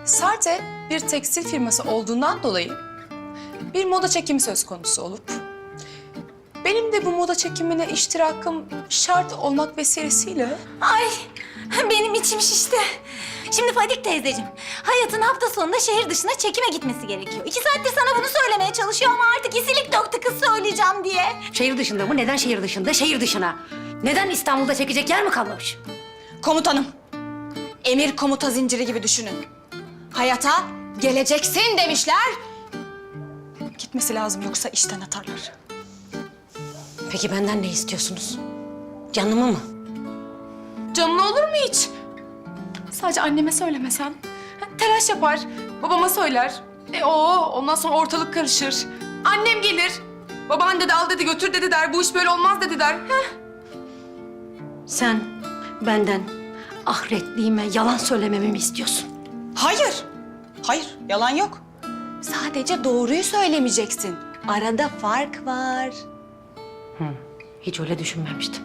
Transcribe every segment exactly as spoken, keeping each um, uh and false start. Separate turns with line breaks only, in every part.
Sarte bir tekstil firması olduğundan dolayı bir moda çekimi söz konusu olup benim de bu moda çekimine iştirakım şart olmak vesilesiyle...
Ay benim içim şişti. Şimdi Fadik teyzeciğim, Hayat'ın hafta sonunda şehir dışına çekime gitmesi gerekiyor. İki saattir sana bunu söylemeye çalışıyor ama artık isilik döktü kız söyleyeceğim diye.
Şehir dışında mı? Neden şehir dışında? Şehir dışına. Neden İstanbul'da çekecek yer mi kalmamış?
Komutanım, emir komuta zinciri gibi düşünün. Hayata geleceksin demişler. Gitmesi lazım yoksa işten atarlar.
Peki benden ne istiyorsunuz? Canımı mı?
Canına olur mu hiç? Sadece anneme söylemesen. Ha, telaş yapar, babama söyler. E o ondan sonra ortalık karışır. Annem gelir. Baban dedi al dedi götür dedi der. Bu iş böyle olmaz dedi der. Heh.
Sen benden ahiretliğime yalan söylememi mi istiyorsun?
Hayır, hayır yalan yok. Sadece doğruyu söylemeyeceksin. Arada fark var.
Hiç öyle düşünmemiştim.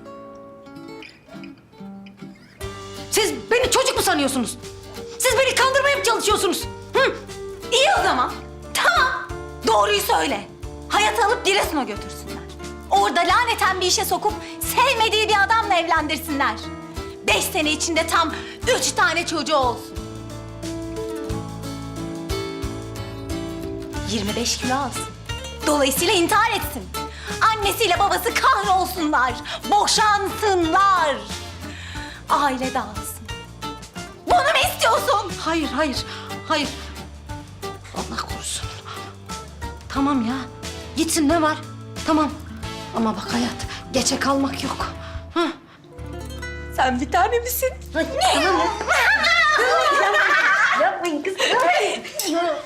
Siz beni çocuk mu sanıyorsunuz? Siz beni kandırmaya mı çalışıyorsunuz? Hı?
İyi o zaman. Tamam. Doğruyu söyle. Hayat'ı alıp Giresun'a götürsünler. Orada laneten bir işe sokup sevmediği bir adamla evlendirsinler. Beş sene içinde tam üç tane çocuğu olsun. yirmi beş kilo alsın. Dolayısıyla intihar etsin. Annesiyle babası kahrolsunlar. Boşansınlar. Aile dağılsın. Bunu mu istiyorsun?
Hayır, hayır, hayır. Allah korusun. Tamam ya, gitsin ne var? Tamam. Ama bak hayat, geçe kalmak yok. Hı?
Sen bir tane misin?
Tamam ya.